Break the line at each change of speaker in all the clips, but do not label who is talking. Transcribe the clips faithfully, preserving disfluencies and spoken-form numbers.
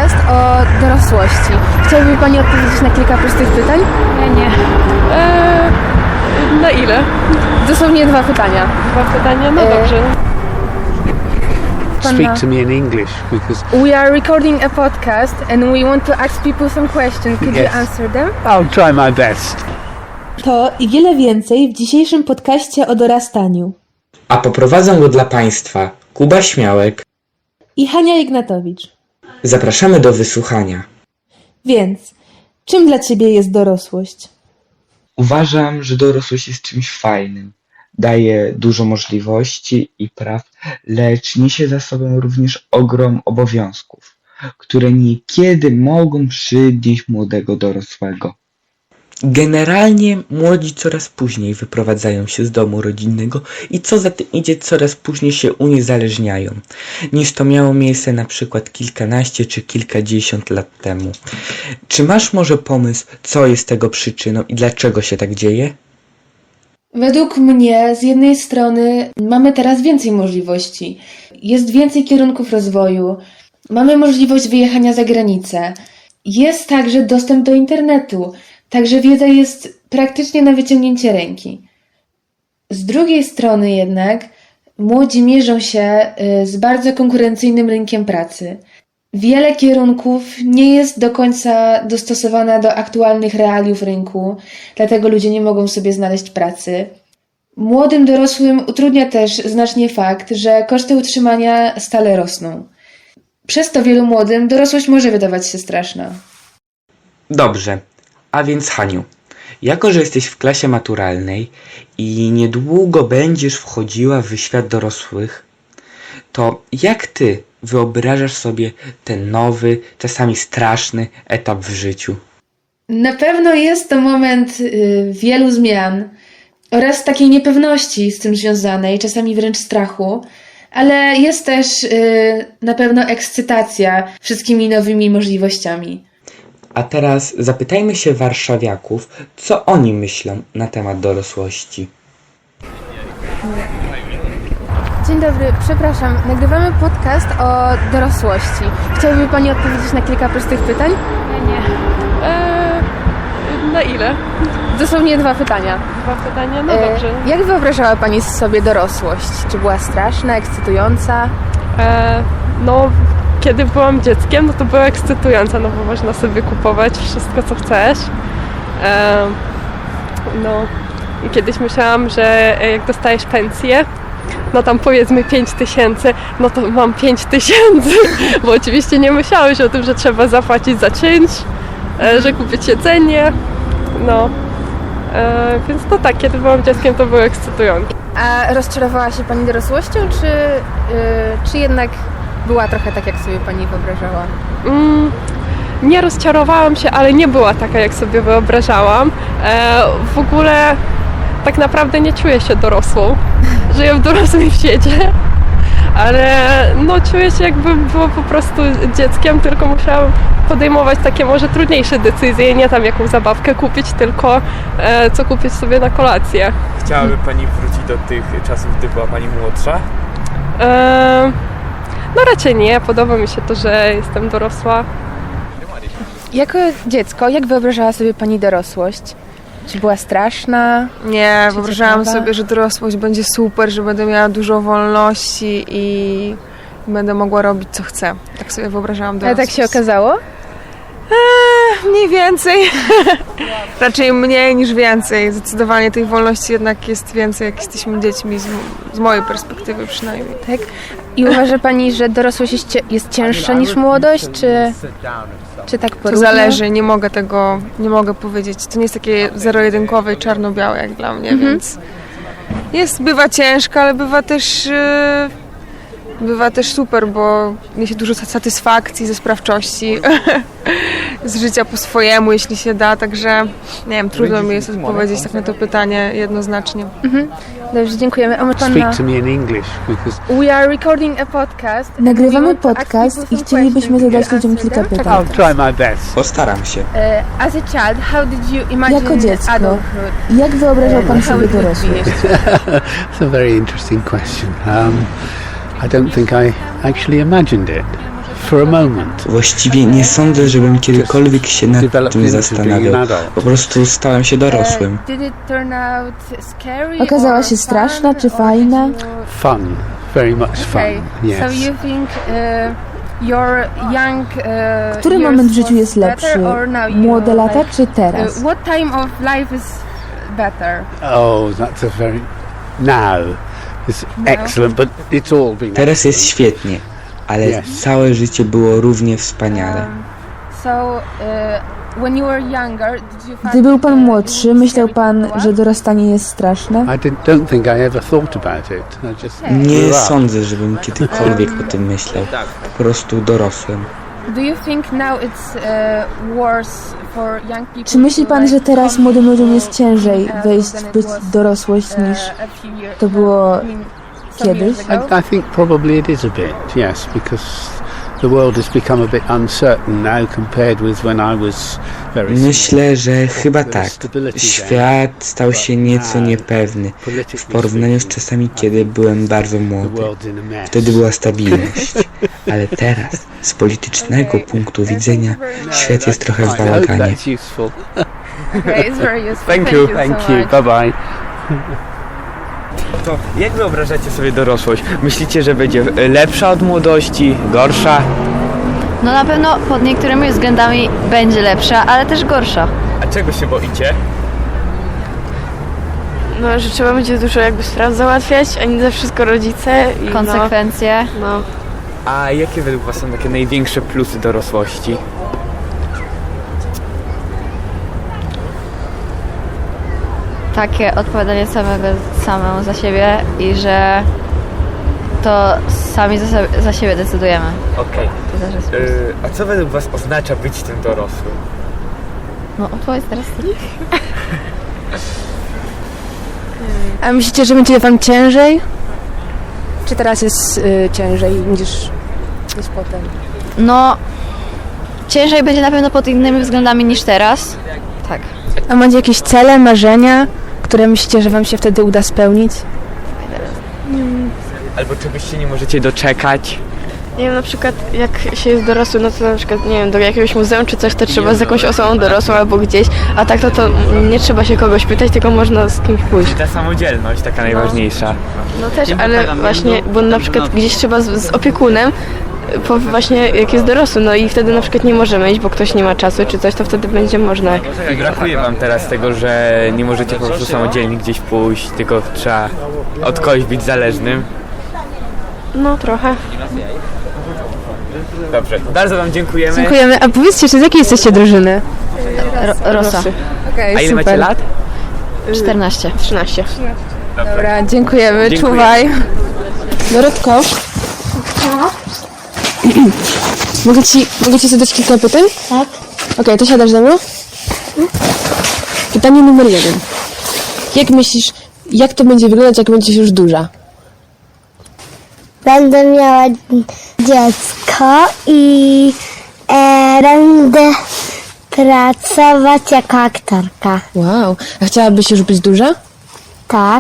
podcast o dorosłości. Chciałaby Pani odpowiedzieć na kilka prostych pytań?
Nie, nie. Eee, na ile?
Dosłownie dwa pytania.
Dwa pytania? No
E,
dobrze.
Speak to me in English because
We are recording a podcast and we want to ask people some questions. Could
Yes.
you answer them?
I'll try my best.
To i wiele więcej w dzisiejszym podcaście o dorastaniu.
A poprowadzą go dla Państwa Kuba Śmiałek.
I Hania Ignatowicz.
Zapraszamy do wysłuchania.
Więc, czym dla Ciebie jest dorosłość?
Uważam, że dorosłość jest czymś fajnym. Daje dużo możliwości i praw, lecz niesie za sobą również ogrom obowiązków, które niekiedy mogą przydnieść młodego dorosłego.
Generalnie młodzi coraz później wyprowadzają się z domu rodzinnego i co za tym idzie, coraz później się uniezależniają, niż to miało miejsce na przykład kilkanaście czy kilkadziesiąt lat temu. Czy masz może pomysł, co jest tego przyczyną i dlaczego się tak dzieje?
Według mnie, z jednej strony, mamy teraz więcej możliwości. Jest więcej kierunków rozwoju. Mamy możliwość wyjechania za granicę. Jest także dostęp do internetu. Także wiedza jest praktycznie na wyciągnięcie ręki. Z drugiej strony jednak młodzi mierzą się y, z bardzo konkurencyjnym rynkiem pracy. Wiele kierunków nie jest do końca dostosowana do aktualnych realiów rynku, dlatego ludzie nie mogą sobie znaleźć pracy. Młodym dorosłym utrudnia też znacznie fakt, że koszty utrzymania stale rosną. Przez to wielu młodym dorosłość może wydawać się straszna.
Dobrze, a więc Haniu, jako że jesteś w klasie maturalnej i niedługo będziesz wchodziła w świat dorosłych, to jak ty wyobrażasz sobie ten nowy, czasami straszny etap w życiu?
Na pewno jest to moment y, wielu zmian oraz takiej niepewności z tym związanej, czasami wręcz strachu, ale jest też y, na pewno ekscytacja wszystkimi nowymi możliwościami.
A teraz zapytajmy się warszawiaków, co oni myślą na temat dorosłości.
Dzień dobry, przepraszam. Nagrywamy podcast o dorosłości. Chciałaby Pani odpowiedzieć na kilka prostych pytań?
Nie, nie. Eee, na ile?
Dosłownie dwa pytania.
Dwa pytania? No
E,
dobrze.
Jak wyobrażała Pani sobie dorosłość? Czy była straszna, ekscytująca?
Eee, no, kiedy byłam dzieckiem, no to była ekscytująca, no bo można sobie kupować wszystko, co chcesz. Eee, no i kiedyś myślałam, że jak dostajesz pensję, no tam powiedzmy pięć tysięcy, no to mam pięć tysięcy, bo oczywiście nie myślałeś o tym, że trzeba zapłacić za czynsz, e, że kupić jedzenie, no. E, więc no tak, kiedy byłam dzieckiem, to było ekscytujące.
A rozczarowała się Pani dorosłością, czy, yy, czy jednak była trochę tak, jak sobie Pani wyobrażała?
Mm, nie rozczarowałam się, ale nie była taka, jak sobie wyobrażałam. E, w ogóle tak naprawdę nie czuję się dorosłą. Żyję w dorosłym świecie, ale no czuję się, jakbym była po prostu dzieckiem, tylko musiałam podejmować takie może trudniejsze decyzje, nie tam jaką zabawkę kupić, tylko e, co kupić sobie na kolację.
Chciałaby Pani wrócić do tych czasów, gdy była Pani młodsza?
E, no raczej nie, podoba mi się to, że jestem dorosła.
Jako dziecko, jak wyobrażała sobie Pani dorosłość? Czy była straszna?
Nie,
Czy
wyobrażałam
ciekawa?
sobie, że dorosłość będzie super, że będę miała dużo wolności i będę mogła robić co chcę. Tak sobie wyobrażałam
Ale
dorosłość.
tak się okazało?
Eee, mniej więcej. Raczej mniej niż więcej. Zdecydowanie tej wolności jednak jest więcej, jak jesteśmy dziećmi, z, z mojej perspektywy przynajmniej.
Tak. I uważa Pani, że dorosłość jest, cie- jest cięższa niż młodość, czy, czy tak
To
porówno?
zależy, nie mogę tego, nie mogę powiedzieć. To nie jest takie zero-jedynkowe i czarno-białe jak dla mnie,
Mhm.
więc jest, bywa ciężko, ale bywa też, yy, bywa też super, bo niesie dużo satysfakcji ze sprawczości, z życia po swojemu, jeśli się da, także nie wiem, trudno mi jest odpowiedzieć tak na to pytanie jednoznacznie.
Dobrze, dziękujemy. A my Pana...
Speak to me in English because
We are recording a podcast. and we
Nagrywamy
want to ask
podcast
people
i
some
chcielibyśmy
questions.
zadać
Could you
ludziom
answer
kilka
them?
pytań.
I'll try my best.
Postaram się.
Uh, as a child, how did you imagine
Jako dziecko,
adulthood?
jak wyobrażał Pan
How
sobie
it would be?
dorosłość?
It's a very interesting question. Um, I don't think I actually imagined it. for a moment.
Właściwie nie sądzę, żebym kiedykolwiek się nad
Developed
tym
into being
zastanawiał.
an adult.
Po prostu stałem się dorosłym.
Did it turn out scary
Okazała
or
się straszna
fun,
czy
or
fajna?
did you-
Fun, very much fun.
Okay.
Yes.
So you think uh, your young uh,
Który
years
moment w życiu
was
jest lepszy?
better, or now you
Młode lata
like,
czy teraz?
uh, what time of life is better?
Oh, that's a very now. It's excellent, but it's all been.
Teraz jest
excellent.
świetnie, ale
Yes.
całe życie było równie wspaniale.
Um, so uh, when you were younger, did you find
Gdy był pan
uh,
młodszy,
it
myślał
scary
pan,
to grow
że
up?
dorastanie jest straszne?
I didn't, don't think I ever thought about it. I just
Nie
grew up.
sądzę, żebym kiedykolwiek o tym myślał. Po prostu dorosłem.
Do you think now it's uh, worse for young people?
Czy myśli
to,
pan,
like,
że teraz
come
młodym ludziom
to
jest ciężej
adulthood
wejść
than
w
it
być
was,
dorosłość
uh,
niż
a few years
to
ago?
było
I mean, some
kiedyś?
years ago?
I, I think probably it is a bit, yes, because the world has become a bit uncertain now compared with when I was very small.
Myślę, że chyba tak. Świat stał się nieco niepewny w porównaniu z czasami, kiedy byłem bardzo
The
młody.
world's in a mess.
Wtedy była stabilność. Ale teraz, z politycznego punktu widzenia, świat jest trochę w
I hope
bałaganie.
that's useful.
Okay, it's very useful.
Thank you.
so
Thank you.
much.
Bye bye.
To jak wyobrażacie sobie dorosłość? Myślicie, że będzie lepsza od młodości, gorsza?
No na pewno pod niektórymi względami będzie lepsza, ale też gorsza.
A czego się boicie?
No, że trzeba będzie dużo jakby spraw załatwiać, a nie za wszystko rodzice. I
Konsekwencje.
No, no.
A jakie według was są takie największe plusy dorosłości?
Takie odpowiadanie samego samemu za siebie i że to sami za, sobie- za siebie decydujemy.
Okej.
To też jest plus.
Yy, a co według was oznacza być tym dorosłym?
No odpowiedz teraz ty.
A myślicie, że będzie wam ciężej? Czy teraz jest y, ciężej niż, niż potem?
No ciężej będzie na pewno pod innymi względami niż teraz. Tak.
A macie jakieś cele, marzenia, które myślicie, że wam się wtedy uda spełnić?
Albo czegoś się nie możecie doczekać?
Nie wiem, na przykład jak się jest dorosły, no to na przykład, nie wiem, do jakiegoś muzeum czy coś, to trzeba z jakąś osobą dorosłą albo gdzieś, a tak to, to nie trzeba się kogoś pytać, tylko można z kimś pójść.
Ta samodzielność taka najważniejsza.
No też, ale właśnie, bo na przykład gdzieś trzeba z, z opiekunem, po właśnie jak jest dorosły, no i wtedy na przykład nie możemy iść, bo ktoś nie ma czasu czy coś, to wtedy będzie można.
I brakuje wam teraz tego, że nie możecie po prostu samodzielnie gdzieś pójść, tylko trzeba od kogoś być zależnym.
No trochę.
Dobrze, bardzo wam dziękujemy.
Dziękujemy. A powiedzcie, czy z jakiej jesteście drużyny?
Ro- Rosa.
Okej,
A ile macie lat?
czternaście.
trzynaście.
Dobra, dziękujemy.
Dziękuję.
Czuwaj. Dorotko. mogę, ci, mogę ci zadać kilka pytań?
Tak.
Okej, to siadasz ze mną? Pytanie numer jeden. Jak myślisz, jak to będzie wyglądać, jak będziesz już duża?
Będę miała dziecko i e, będę pracować jako aktorka.
Wow. A chciałabyś już być duża?
Tak.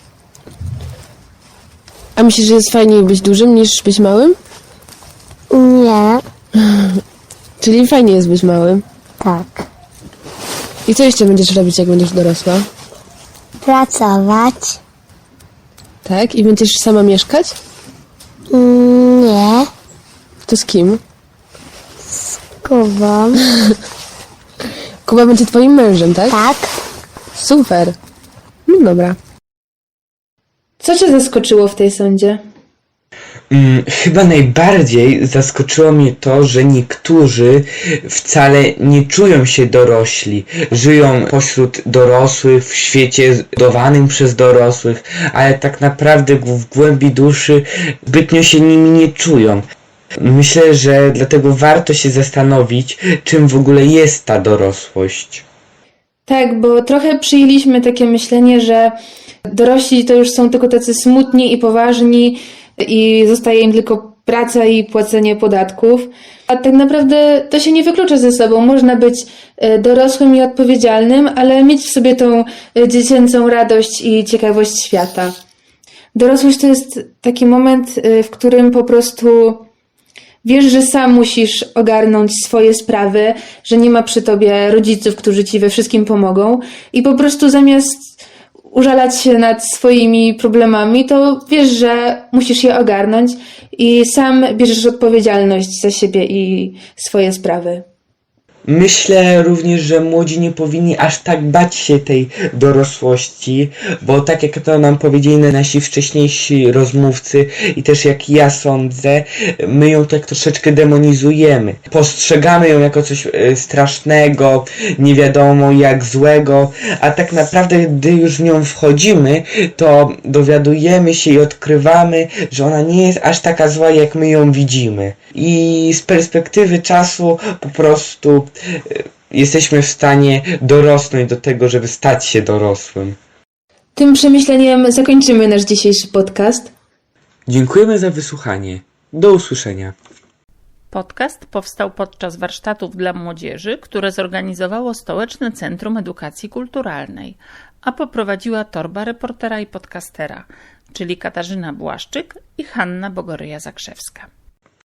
A myślisz, że jest fajniej być dużym niż być małym?
Nie.
Czyli fajnie jest być małym.
Tak.
I co jeszcze będziesz robić, jak będziesz dorosła?
Pracować.
Tak? I będziesz sama mieszkać?
Nie.
To z kim?
Kubą.
Kuba będzie twoim mężem, tak?
Tak.
Super. No dobra.
Co cię zaskoczyło w tej sądzie?
Mm, chyba najbardziej zaskoczyło mnie to, że niektórzy wcale nie czują się dorośli. Żyją pośród dorosłych, w świecie zbudowanym przez dorosłych, ale tak naprawdę w głębi duszy zbytnio się nimi nie czują. Myślę, że dlatego warto się zastanowić, czym w ogóle jest ta dorosłość.
Tak, bo trochę przyjęliśmy takie myślenie, że dorośli to już są tylko tacy smutni i poważni i zostaje im tylko praca i płacenie podatków. A tak naprawdę to się nie wyklucza ze sobą. Można być e, dorosłym i odpowiedzialnym, ale mieć w sobie tą e, dziecięcą radość i ciekawość świata. Dorosłość to jest taki moment, e, w którym po prostu Wiesz, że sam musisz ogarnąć swoje sprawy, że nie ma przy tobie rodziców, którzy ci we wszystkim pomogą i po prostu zamiast użalać się nad swoimi problemami, to wiesz, że musisz je ogarnąć i sam bierzesz odpowiedzialność za siebie i swoje sprawy.
Myślę również, że młodzi nie powinni aż tak bać się tej dorosłości, bo tak jak to nam powiedzieli nasi wcześniejsi rozmówcy i też jak ja sądzę, my ją tak troszeczkę demonizujemy. Postrzegamy ją jako coś e, strasznego, nie wiadomo jak złego, a tak naprawdę gdy już w nią wchodzimy, to dowiadujemy się i odkrywamy, że ona nie jest aż taka zła, jak my ją widzimy. I z perspektywy czasu po prostu jesteśmy w stanie dorosnąć do tego, żeby stać się dorosłym.
Tym przemyśleniem zakończymy nasz dzisiejszy podcast.
Dziękujemy za wysłuchanie. Do usłyszenia.
Podcast powstał podczas warsztatów dla młodzieży, które zorganizowało Stołeczne Centrum Edukacji Kulturalnej, a poprowadziła torba reportera i podcastera, czyli Katarzyna Błaszczyk i Hanna Bogoryja-Zakrzewska.